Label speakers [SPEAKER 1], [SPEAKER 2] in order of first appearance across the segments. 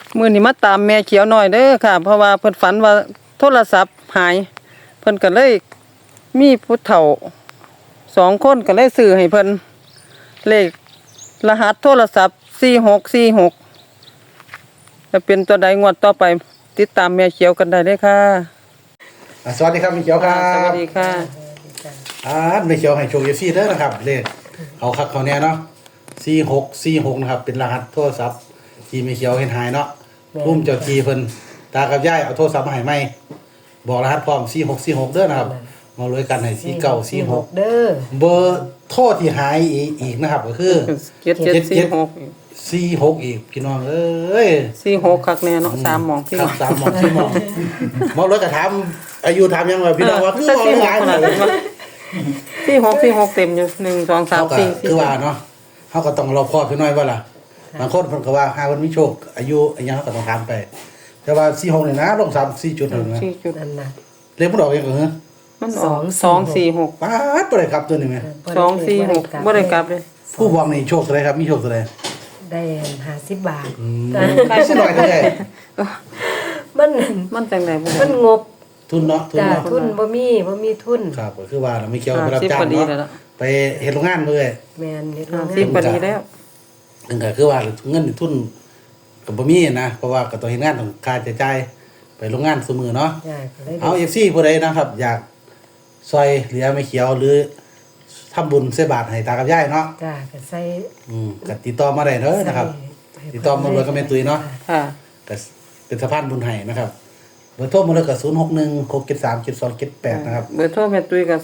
[SPEAKER 1] มื้อนี้มาตามแม่เขียวหน่อยเด้อค่ะเพราะว่าเพิ่นฝันว่าโทรศัพท์หายเพิ่นก็เลยมีผู้เฒ่า2คนก็เลยซื้อให้เพิ่นเลขรหัสโทรศัพท์4646จะเป็นตัวใดงวดต่อไปติดตามแม่เขียวกันได้เลยค่ะ
[SPEAKER 2] สวัสดีครับแม่เขียวครับ
[SPEAKER 1] สวัสดีค่ะ
[SPEAKER 2] แม่เขียวให้โชคเด้อนะครับเลขเขาคักเขาแน่เนาะ4646นะครับเป็นรหัสโทรศัพท์ที่แม่เขียวเห็นหายเนาะพุ่มเจ้าทีเพิ่นตากับยายเอาโทรศัพท์มาให้ใหม่บอกรหัสพร้อม4646เด้อนะครับมาเลยกันให้4946
[SPEAKER 3] เด้อ
[SPEAKER 2] เบอร์โทรที่หายอีกนะครับก็คือ
[SPEAKER 1] 7746
[SPEAKER 2] 46อีกพี่น้องเอ้ย
[SPEAKER 1] 46คักแน่เนาะ3หม่องพี่
[SPEAKER 2] ครับ3หม่อง4หม่องมองรถก็ถามอายุถามยังว่าพี่น้องว่าคือบ่หลายขนาดนั้น
[SPEAKER 1] 46เต็มอยู่1 2 3 4
[SPEAKER 2] คือว่าเนาะเฮาก็ต้องรอบคอบพี่น้อยว่าล่ะบางคนเพิ่นก็ว่าหาเพิ่นมีโชคอายุอันยังก็ต้องถามไปแต่ว่า46นี่นะลง3 4จุดนั่นนะ
[SPEAKER 1] 4จุด
[SPEAKER 3] นั่นน่ะ
[SPEAKER 2] เลขมันออกยังก็เหรอ
[SPEAKER 1] มันออก246
[SPEAKER 2] ป๊าดบ่ได้ครับตัวนี้แม่
[SPEAKER 1] 246บ่ได้กลับเลย
[SPEAKER 2] ผู้บอกนี่โชคเท่าไหร่ครับมีโชคเท่าไหร่
[SPEAKER 3] ได้50 บาท
[SPEAKER 2] ได้สิหน่อยเท่าไหร่
[SPEAKER 3] มัน
[SPEAKER 1] จังได๋บ่
[SPEAKER 3] มันงบ
[SPEAKER 2] ทุนเนาะทุน
[SPEAKER 3] จ้า
[SPEAKER 2] เนาะ
[SPEAKER 3] ทุนบ่มีทุน
[SPEAKER 2] ครับก็คือว่าเราไม่เกี่ยวกับรับจ้าง
[SPEAKER 1] 50พอดีแล้ว
[SPEAKER 2] เนาะไปเฮ็ดโรงงานเลย
[SPEAKER 3] แม่นเฮ็ดโรงงาน
[SPEAKER 1] 50พอดีแล้ว
[SPEAKER 2] นั่นก็คือว่าเงินทุนก็บ่มีนะเพราะว่าก็ต้องเฮ็ดงานต้องค่าใช้จ่ายไปโรงงานซุมื้อเนาะ
[SPEAKER 3] จ้าก็เลย
[SPEAKER 2] เอา FC ผู้ใดนะครับ อยากซอยเหลือไม่เขียวหรือทำบุญใส่บาตรให้ตากับยายเนาะ
[SPEAKER 3] จ้าก็ใส่
[SPEAKER 2] ก็ติดต่อมาได้เด้อนะครับ ติดต่อมาเลยก็แม่ตุ้ยเนาะ
[SPEAKER 1] ค่ะ
[SPEAKER 2] ก็เป็นสะพานบุญให้นะครับเบอร์โทรมาเลยก็0616737278นะครับ
[SPEAKER 1] เบอร์โทรแม่ตุ้ยก็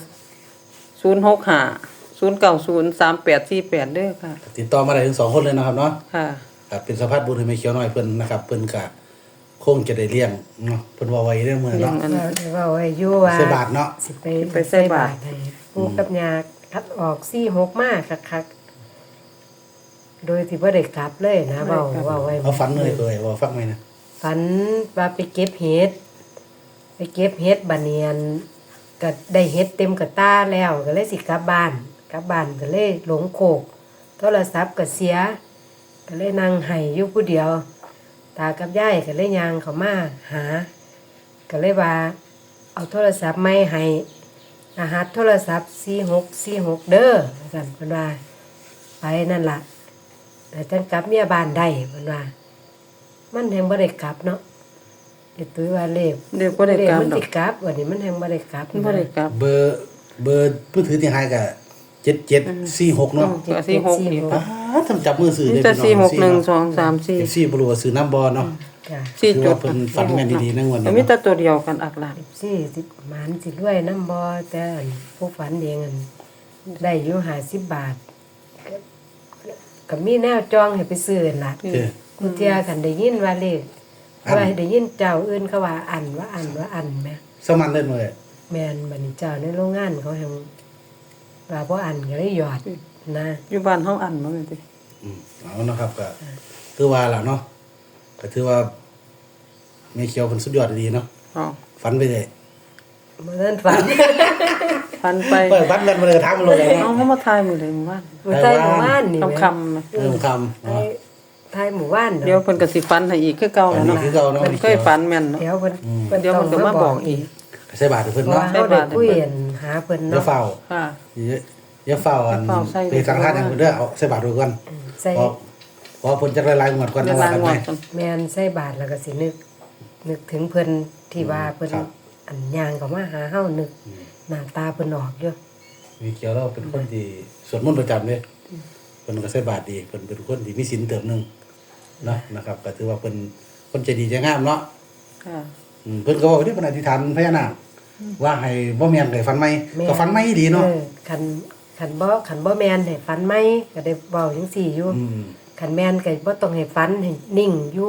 [SPEAKER 1] 065 090 3848เด้อค่ะ
[SPEAKER 2] ติดต่อมาได้ถึง2คนเลยนะครับเนาะ
[SPEAKER 1] ค่ะ
[SPEAKER 2] ครับเป็นสะพานบุญให้แม่เขียวน้อยเพิ่นนะครับเพิ่นก็คงจะได้เลี้ยงเนาะเพิ่นว่าไว้เรื่องมื้อเนาะ
[SPEAKER 3] ว่าไว้อยู่ว่า
[SPEAKER 2] ใส่บาทเนาะ
[SPEAKER 3] สิไปใส่บาทให้ปู่กับย่าคัดออก46มาคักๆโดยที่บ่ได้กลับเลยนะเว้าไว้
[SPEAKER 2] เอาฝันเลยเคยว่าฟังไหมนะ
[SPEAKER 3] ฝันว่าไปเก็บเห็ดบัดเนียนก็ได้เห็ดเต็มกระตาแล้วก็เลยสิกลับบ้านก็เลยหลงโคกโทรศัพท์ก็เสียก็เลยนั่งไห้อยู่ผู้เดียวตากับยายก็เลยย่างเขามาหาก็เลยว่าเอาโทรศัพท์ไม่ให้รหัสโทรศัพท์4646เด้อกันเพิ่นว่าไปนั่นล่ะแต่จังกลับเมียบ้านได้เพิ่นว่ามันแฮงบ่ได้กลับเนาะไอ้ตุ้ยว่าเลข
[SPEAKER 1] เดี๋ยวบ่ได้กลับ
[SPEAKER 3] มัน
[SPEAKER 1] ดอ
[SPEAKER 3] สิ
[SPEAKER 1] ก
[SPEAKER 3] กลับวันนี้มันแฮงบ่ได้กลับ
[SPEAKER 1] บ่ได้กลับ
[SPEAKER 2] เบอร์ผู้ถือที่หายก็7746เนาะ
[SPEAKER 1] ก็46นี่
[SPEAKER 2] ป้าทำจับมือซื้อ
[SPEAKER 1] มี
[SPEAKER 2] ได้
[SPEAKER 1] แต่
[SPEAKER 2] พี่น้อง
[SPEAKER 1] 461 2 3 4
[SPEAKER 2] 4บ่รู้ว่าซื้อน้ำบ่เนาะ
[SPEAKER 3] จ้ะ
[SPEAKER 1] 4
[SPEAKER 2] คือ
[SPEAKER 1] จุด
[SPEAKER 2] ว่าเพิ่นฝันแม่นดีๆนะงวด
[SPEAKER 1] แต่
[SPEAKER 2] นี้
[SPEAKER 1] มีแต่
[SPEAKER 2] เนาะ
[SPEAKER 1] ตัวเดียวกันอักหลาน
[SPEAKER 3] สิหมานสิรวยน้ำบ่แต่อันผู้ฝันเองอันได้อยู่50 บาทก็มีแนวจองให้ไปซื้อนั่นล่ะ
[SPEAKER 2] เออ
[SPEAKER 3] กูเที่ยกันได้ยินว่าเลขว่าได้ยินเจ้าอื่นเขาว่าอันแม่
[SPEAKER 2] สมันเล่นเลย
[SPEAKER 3] แม่นบัดนี้เจ้าในโรงงานเขาแฮงว่าบ่อันก็เลยหยอดนะ
[SPEAKER 1] อยู่บ้านเฮาอันบ่แม่นติ
[SPEAKER 2] เอานะครับก็ถือว่าล่ะเนาะก็ถือว่าแม่เขียวเพิ่นสุดยอดดีเนาะ
[SPEAKER 1] อ๋อ
[SPEAKER 2] ฝันไปเลย
[SPEAKER 3] บ่ทันฝัน
[SPEAKER 1] ฟันไป
[SPEAKER 2] เปิดฝันกันมาเลยถามมาเลย
[SPEAKER 1] เอา
[SPEAKER 2] เนาะ
[SPEAKER 1] เขามาทายมื้อใดมื้อวาน
[SPEAKER 3] มื้อใต้หมู่บ้านนี่แม่
[SPEAKER 1] คำๆนะ
[SPEAKER 2] เริ่มคำ
[SPEAKER 3] ไทยหมู่บ้าน
[SPEAKER 1] เดี๋ยวเพิ่นก็สิฟันให้อีกคือเก่าแล้วเนาะ
[SPEAKER 2] คือเก่าเนาะ
[SPEAKER 1] เพิ่นเคยฟันแม่นเนาะ
[SPEAKER 3] เดี๋ยวเพิ่น
[SPEAKER 1] เดี๋ยวเพิ่นก็มาบอกอีก
[SPEAKER 2] ใส่บาทให้เพิ่น
[SPEAKER 3] เพราะ
[SPEAKER 2] เนาะ
[SPEAKER 3] ว่าเฮาได้คุยกันหาเพิ่น
[SPEAKER 2] อย่า
[SPEAKER 3] เนาะ
[SPEAKER 2] เฝ้า
[SPEAKER 1] ค่ะ
[SPEAKER 2] อย่าเฝ้าอัน
[SPEAKER 1] อย่าเฝ้าใส่
[SPEAKER 2] ไปสังฆทานให้เพิ่นเด้อเอาใส่บาทด้วยกัน
[SPEAKER 3] ใส่
[SPEAKER 2] พอเพิ่นจะละลายหมดก่อน
[SPEAKER 1] เว
[SPEAKER 2] จัง
[SPEAKER 1] ลา
[SPEAKER 2] ว่ากัน
[SPEAKER 1] ง
[SPEAKER 2] ไหม
[SPEAKER 1] วดกัน
[SPEAKER 3] แม่นใส่บาทแล้วก็สินึกถึงเพิ่นที่ว่าเพิ่น
[SPEAKER 2] ครับ
[SPEAKER 3] อันย่างเข้ามาหาเฮานึกหน้าตาเพิ่นออกอยู่
[SPEAKER 2] มีเขียวเราเป็นคนที่สวดมนต์ประจำเด้เพิ่นก็ใส่บาทดีเพิ่นเป็นคนที่มีศีลเติมหนึงเนาะนะครับก็ถือว่าเพิ่นคนใจดีใจงามเนาะ
[SPEAKER 1] ค่ะ
[SPEAKER 2] เพิ่นก็บอกว่าเพิ่นอธิษฐานพญานาคว่าให้บ่แม่นได้ฝันใหม่ก็ฝันใหม่ดีเนาะ
[SPEAKER 3] คันบ่แม่นให้ฝันไหมก็ได้เว้าจังซี่อยู่
[SPEAKER 2] อืม
[SPEAKER 3] คันแม่นก็บ่ต้องให้ฝันให้นิ่งอยู่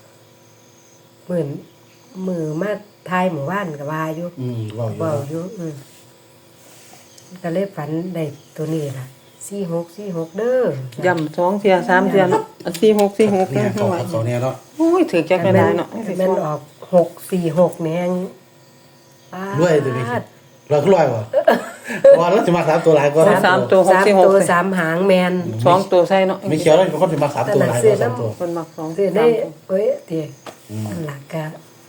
[SPEAKER 3] มือมาทายหมู่บ้านก็ว่าอยู่
[SPEAKER 2] เว้าอยู่
[SPEAKER 3] เว้า
[SPEAKER 2] เนาะ
[SPEAKER 3] อยู่ก็เลยฝันได้ตัวนี้ล่ะ4646เด้อย่
[SPEAKER 1] ำ2เที่ย3เที่ยเนาะ4646
[SPEAKER 2] เนี่
[SPEAKER 1] เด้
[SPEAKER 2] ย
[SPEAKER 1] อ
[SPEAKER 2] เขา
[SPEAKER 1] ว่า
[SPEAKER 2] เขาเนี่ยเนาะ
[SPEAKER 1] โอ้ยถือจักได้เนาะ
[SPEAKER 3] มันออก646แม่ง
[SPEAKER 2] รวยตัวนี้เราก็รวยบ่ว่าแล้วจะมา3ตัวหลายก็
[SPEAKER 1] สามตัว
[SPEAKER 3] สาม
[SPEAKER 1] 646
[SPEAKER 3] ตัว
[SPEAKER 1] เลย
[SPEAKER 3] สามหางแมน
[SPEAKER 1] 2ตัวใส่เนาะ
[SPEAKER 2] ไม่เขียวแล้วเป็นคนจะมา3ตัวหลายก็3ตัว
[SPEAKER 1] เพิ่นมัก2
[SPEAKER 3] คือ
[SPEAKER 1] 3
[SPEAKER 3] ได้เอ้ยเดี๋ยวนั่นล่ะก็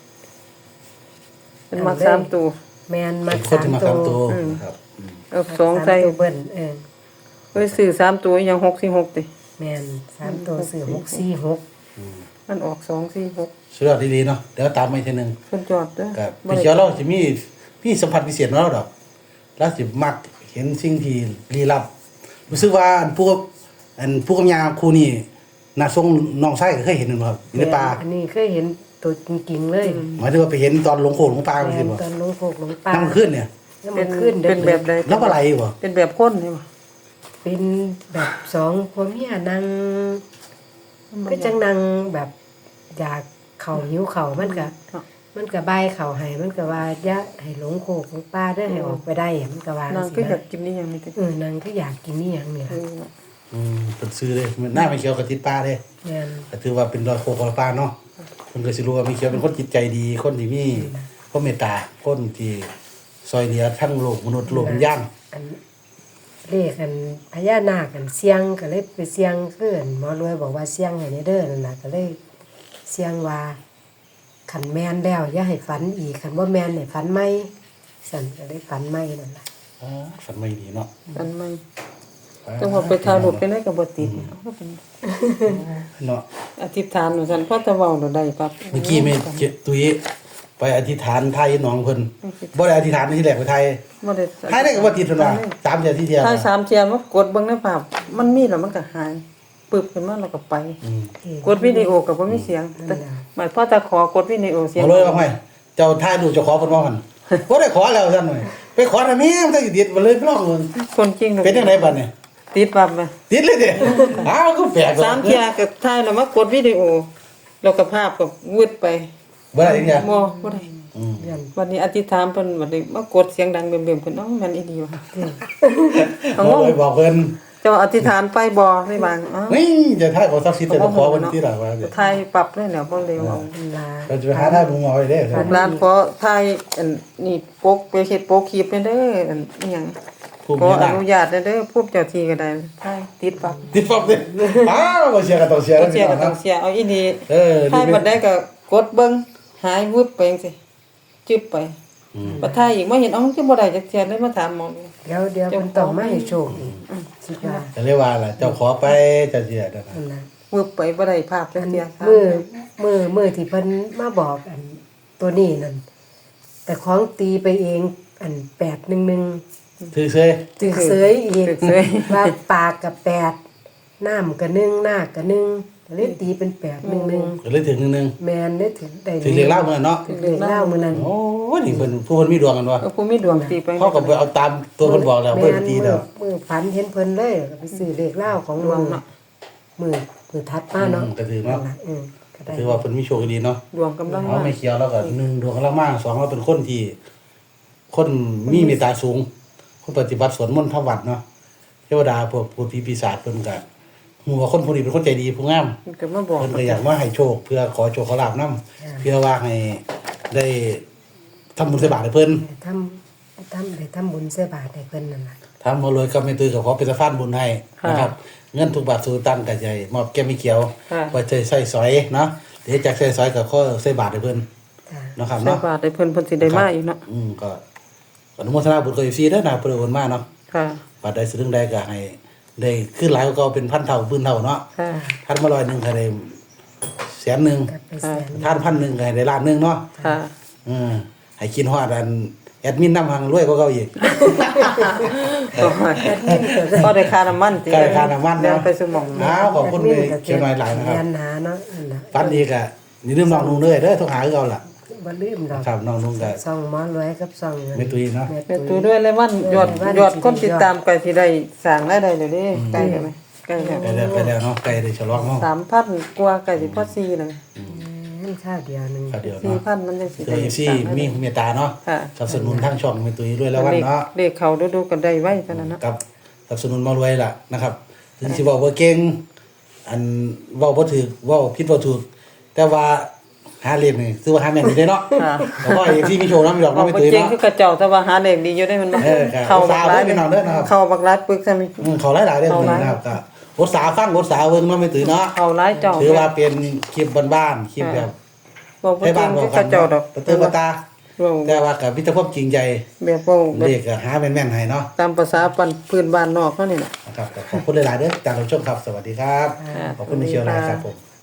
[SPEAKER 1] เพิ่นมัก3ตัว
[SPEAKER 3] แมนมา
[SPEAKER 2] เป็นคนจะมา
[SPEAKER 3] 3
[SPEAKER 2] 3
[SPEAKER 3] ตั
[SPEAKER 2] ตัว วครับ
[SPEAKER 1] เอา2ใส่
[SPEAKER 3] ตัวเบิ้น
[SPEAKER 1] เอ้ยซื้อ3ตัวยัง646ติ
[SPEAKER 3] แมน3ตัวซื้อ646
[SPEAKER 1] มันออก246
[SPEAKER 2] สุดยอดดีๆเนาะเดี๋ยวตามมาอีกทีนึง
[SPEAKER 1] เพิ่นจอดเด้อ
[SPEAKER 2] ครับไม่เขียวเราจะมีพี่สัมผัสพิเศษของเราดอกแล้วสิมักเห็นสิ่งที่ลี้ลับรู้สึกว่าผู้กำยาครูนี่น่าทรงน้องไส้ก็เคยเห็นนั่นบ่ครับอยู่ในป่า
[SPEAKER 3] อันนี้เคยเห็นตัวจริงๆเลย
[SPEAKER 2] หมายถึงว่าไปเห็นตอนหลงโขงหลงป่า
[SPEAKER 3] แม
[SPEAKER 2] จังซี่
[SPEAKER 3] น
[SPEAKER 2] บ่
[SPEAKER 3] ตอนลงโคกลงป่า
[SPEAKER 2] นั่งขึ้นเนี่ย
[SPEAKER 3] แล้วมันขึ้นเดิ
[SPEAKER 1] เป็นแบบใด
[SPEAKER 2] แล้วอะไรบ่
[SPEAKER 1] เป็นแบบคนนี่บ่
[SPEAKER 3] เป็นแบบ2ผัวเมียนั่งก็จังนั่งแบบอยากเข้าหิวเข้ามันก็บายเข้าให้มันก็ว่าอย่าให้หลงโคกหลงป่าเด้อให้ออกไปได้มันก็ว่าจั
[SPEAKER 1] นาง
[SPEAKER 3] ง
[SPEAKER 1] ก็
[SPEAKER 3] ซี่
[SPEAKER 1] อยาก
[SPEAKER 3] นะ
[SPEAKER 1] กินนี่ยังไม่ติด
[SPEAKER 3] นางก็อยากกินนี่หยังนี่ล่ะ
[SPEAKER 2] เป็นซื้อเลยมันหน้าไม่เขียวกับติดป่าเด้
[SPEAKER 3] แม่น
[SPEAKER 2] ก็ถือว่าเป็นรอยโคกรอยป่าเนาะเพิ่นก็สิรู้ว่ามีเขียวเป็นคนจิตใจดีคนที่มีความเมตตาคนที่ซอยเหลือทั้งโลกมนุษย์โลกวิญญาณ
[SPEAKER 3] อันเลขอันพญานาคอันเสียงก็เลยไปเสียงคืออันหมอรวยบอกว่าเสียงให้เด้อนั่นน่ะก็เลยเสียงว่าขันแมนแล้วอย่าให้ฝันอีกขันว่าแมนให้ฝันไหมสั่นก็ได้ฝันไหมนั่นล่ะ
[SPEAKER 2] ฝันไม่ดีเนาะ
[SPEAKER 1] อันไม่จังหวะไปถ่ายรูปไปได้ก็บ่ติดเอาก็เป็น
[SPEAKER 2] เนาะ
[SPEAKER 1] อธิษฐานว่าซั่นพอจะเว้าได้ปั๊บ
[SPEAKER 2] เมื่อกี้แม่ตุ้ยไปอธิษฐานไทยน้องเพิ่นบ่ได้อธิษฐานที่แรกไปไทย
[SPEAKER 1] บ่ได้
[SPEAKER 2] ไทยได้ก็บ่ติดเพิ่นว่า3เดือนที่เดียว
[SPEAKER 1] ถ่าย3เที่ยมากดเบิ่งในภาพมันมีแล้วมันก็หายปึบขึ้นมาแล้วก็ไป กดวิดีโอก็บ่มีเสียงแต่หมายพอจะขอกดวิดีโอเสียง
[SPEAKER 2] เอาเลยว่าไงเจ้าถ่ายรูปเจ้าขอเพิ่นว่าหั่นบ่ได้ขอแล้วซั่นหน่อยไปขอทำไมมันต้องติดบ่เลยไปลองเบิ่ง
[SPEAKER 1] คนจริง
[SPEAKER 2] เป็นจังไดบัดนี้
[SPEAKER 1] ติดปั๊บมา
[SPEAKER 2] ติดเลยเด้อ้าวก็แปลก
[SPEAKER 1] 3เที่ยก็ถ่ายแล้วมากดวิดีโอแล้วก็ภาพก็วืดไป
[SPEAKER 2] บ่ได้จังได๋
[SPEAKER 1] บ่ได้
[SPEAKER 3] เดือน
[SPEAKER 1] วันนี้อธิษฐานเพิ่นบัดนี้มากดเสียงดังเบิ่มๆเพิ่นเอ้าแม่นอีหลีว่ะ เอาง
[SPEAKER 2] บ่
[SPEAKER 1] ง
[SPEAKER 2] เลยบอกเพิ่น
[SPEAKER 1] เจ้าอธิษฐานไปบ่ได้บางอ้าว
[SPEAKER 2] นี่จะถ่ายของศักดิ์สิทธิ์แต่ขอเพิ่นที่ล่ะว่า
[SPEAKER 1] ถ่ายปรับเลยแล้วบ่เร็วเอา
[SPEAKER 3] เวลา
[SPEAKER 2] เราจะไปหาถ่ายมุมเอาไว้เด้
[SPEAKER 1] ลูกหลานขอถ่ายอันนี่ปกไปเฮ็ดปกคลิปให้เด้ออันอีหยัง
[SPEAKER 2] ภูมิ
[SPEAKER 1] ขออ
[SPEAKER 2] หน้า
[SPEAKER 1] นุญาตเด้อผู้เจ้าที่ก็ได้ถ่ายติดปรับ
[SPEAKER 2] ติดปั๊บเด้อ้าวบ่เสียก็ต้องเสีย
[SPEAKER 1] ก็
[SPEAKER 2] แล้ว
[SPEAKER 1] เสี
[SPEAKER 2] พี่
[SPEAKER 1] ย
[SPEAKER 2] น้
[SPEAKER 1] ก็
[SPEAKER 2] อง
[SPEAKER 1] ต้อ
[SPEAKER 2] นะ
[SPEAKER 1] งเสียเอาอีนี่
[SPEAKER 2] นี่
[SPEAKER 1] ถ่ายบ่ได้ก็กดเบิ่งหายวึบไปจังซี่จึบไปบ่ถ่ายอีกบ่เห็นเอ้าจังบ่ได้จักเที่ยเลยมาถามหมอดู
[SPEAKER 3] เดี๋ยวมันต้องมาให้โชคอีกสิว่า
[SPEAKER 2] จะเรียกว่าล่ะเจ้าขอไปเจะเสียนั่นน่ะ
[SPEAKER 3] นั่นน่ะ
[SPEAKER 1] วึบไปบ่ได้ภาพจักเที่ย
[SPEAKER 3] มือที่เพิ่นมาบอกอันตัวนี้นั่นแต่ของตีไปเองอัน811
[SPEAKER 2] ถือเซย
[SPEAKER 3] ตึกเสยอีกว่าปากกับ8น้ำกับ1หน้ากับ1เลยตีเป็น811
[SPEAKER 2] ก็เลยถึงนึง
[SPEAKER 3] แมนได้ถึงได้
[SPEAKER 2] ถึงเรียกเล่ามื้อนั้นเนาะ
[SPEAKER 3] ถึงเลขเล่ามื้อนั้น
[SPEAKER 2] โอ้ยนี่เพิ่นผู้เพิ่นมีดวงกันวะ
[SPEAKER 1] ผู้มีดวงตีไป
[SPEAKER 2] เขาก็ไปเอาตามตัวเพิ่นบอกแล้วเพิ่นตีแล้ว
[SPEAKER 3] มือฝันเห็นเพิ่นเลยก็ไปซื้อเลขเล่าของมือมือทัดมาเนาะ
[SPEAKER 2] ก็ถือเนาะ
[SPEAKER 3] ก็ได้
[SPEAKER 2] ถือว่าเพิ่นมีโชคดีเนาะ
[SPEAKER 1] ดวงกำลัง
[SPEAKER 2] เอา
[SPEAKER 1] มา
[SPEAKER 2] ไม่เขียวแล้วก็1ดวงกำลังมา2เราเป็นคนที่ คนมีเมตตาสูง คนปฏิบัติสวดมนต์ทำวัดเนาะเทวดาพวกพูดผีปีศาจเพิ่นก็ฮู้ว่าคนผู้นี้เป็นคนใจดีผู้งาม
[SPEAKER 1] มันก็มาบอก
[SPEAKER 2] เพิ่นก็อยากมาให้โชคเพื่อขอโชคขอลาภนํเพื่อว่าให้ได้ทำบุญใส่บาตรให้เพิ่น
[SPEAKER 3] ทำบุญใส่บาตรให้เพิ่นนั่นล่ะ
[SPEAKER 2] ทำมาเลยก็ไม่ตื้อก็ขอเป็นสะพานบุญให้นะครับ เงินทุกบาทสู่ตังก็ใจมอบแก้ไม่เขียวไว้ใส่สอยเนาะเดี๋ยวจากใส่สอยก็ขอใส่บาตรให้เพิ่น
[SPEAKER 3] จ้า
[SPEAKER 2] นะครับ
[SPEAKER 1] ใส่
[SPEAKER 2] เนาะ
[SPEAKER 1] บาทให้เพิ่นเพิ่นสิได้มาอีกเนาะ
[SPEAKER 2] ก็อนุโมทนาบุญกับอยู่ซีเด้อนะเพิ่นโอนมาเนาะ
[SPEAKER 1] ค่ะ
[SPEAKER 2] บาทใดสรึงใดก็ให้ได้ขึ้นหลายกว่าเก่าเป็นพันเท่าหมื่นเท่าเนาะ
[SPEAKER 1] ค่ะ
[SPEAKER 2] ท่านมา100,000ก็ได้100,000
[SPEAKER 3] กับไปแสน
[SPEAKER 2] ท่าน1,000ก็ให้ได้ล้านหนึงเนาะ
[SPEAKER 1] ค่ะ
[SPEAKER 2] ให้กินฮอดอันแอดมินนำหังรวยกว่าเก่าอีก
[SPEAKER 1] ก็ได้ค่าน้ำมันติ
[SPEAKER 2] ก็ได้ค่าน้ำมันเนาะ
[SPEAKER 1] เดี๋ยวไปสมอง
[SPEAKER 2] อ้าวขอบคุณเลยเชียงรายหลายนะครับ
[SPEAKER 3] ยันหาเนาะนั่นน่ะ
[SPEAKER 2] ฝันดีก็นี่ลืมน้องนุ่งเด้อโทรหาคือเก่าล่ะ
[SPEAKER 3] บ่ลืมดอก
[SPEAKER 2] ครับน้องนุ่งก็
[SPEAKER 3] ซองหมอรวยกับซองเงิน
[SPEAKER 2] ไม่ตุยเนาะ
[SPEAKER 1] แม่ตูด้วยเลยวันยอดคนติดตามไกลสิได้สร้างรายได้เดี๋ยวนี้ใกล้แล้วไหมใกล้แล้ว
[SPEAKER 2] ไปแล้วเนาะไปได้ฉลองเนาะ
[SPEAKER 1] 3,000กว่าใกล้สิพอ4แล้ว
[SPEAKER 3] นั่นข้าวเดียวหนึง
[SPEAKER 2] ครับเดี๋ยวเนาะ
[SPEAKER 1] 4,000มันจังสิ
[SPEAKER 2] เจอซี่มีเมตตาเนาะ
[SPEAKER 1] ค่ะ
[SPEAKER 2] สนับสนุนทั้งช่องไม่ตุยด้วยแล้ววันเนาะ
[SPEAKER 1] เลขเขาดูๆกันได้ไว้เท่านั้นนะ
[SPEAKER 2] กับสนับสนุนมารวยล่ะนะครับ ถึงสิเว้าบ่เก่งอันเว้าบ่ถูกเว้าผิดบ่ถูกแต่ว่าหาเลขนี่ซื้อว่าหาแม่นอยู่ได้เนาะ
[SPEAKER 1] ค่ะ
[SPEAKER 2] แต่ว่าที่มีโชว์น้ำหยอก
[SPEAKER 1] เรา
[SPEAKER 2] น้ำไม่
[SPEAKER 1] บ่
[SPEAKER 2] ตื่น
[SPEAKER 1] เจ๋ง
[SPEAKER 2] เนาะ
[SPEAKER 1] คือกระเจ้าแต่ว่าหาเลขดีอยู่ได้มันบ่
[SPEAKER 2] ครับ
[SPEAKER 1] เข้าบักหลาย
[SPEAKER 2] เอาสาวเบิ่งพี่น้องเด้อนะครับ
[SPEAKER 1] เข้าบักหลายปึกซะมี
[SPEAKER 2] เขาหลายๆเด้อนะครับก็อดสาฟังอดสาเบิ่งน้ำไม่ตื่นเนาะ
[SPEAKER 1] เข้าหลายเจ้า
[SPEAKER 2] ถือว่าเป็นคลิปบ้านๆคลิปแบบ
[SPEAKER 1] บ่บ่
[SPEAKER 2] ให้
[SPEAKER 1] เจ๋
[SPEAKER 2] บ้าน
[SPEAKER 1] ง
[SPEAKER 2] บอ
[SPEAKER 1] คื
[SPEAKER 2] ก
[SPEAKER 1] อ
[SPEAKER 2] กั
[SPEAKER 1] ก
[SPEAKER 2] น
[SPEAKER 1] ระเจ้าดอก
[SPEAKER 2] ประตูประตา
[SPEAKER 1] เว้า
[SPEAKER 2] แต่ว่ากับมิตรภาพจริงใจ
[SPEAKER 1] แบบเว้าแบ
[SPEAKER 2] เล
[SPEAKER 1] บ
[SPEAKER 2] ขก็หาแม่นๆให้เนาะ
[SPEAKER 1] ตามภาษาปันพื้นบ้านนอกเฮานี่น่ะ
[SPEAKER 2] นะครับก็ขอบคุณหลายๆเด้อจากผู้ชมครับสวัสดีครับ
[SPEAKER 1] ค่ะ
[SPEAKER 2] ขอบคุณในเชียวหลายครับผม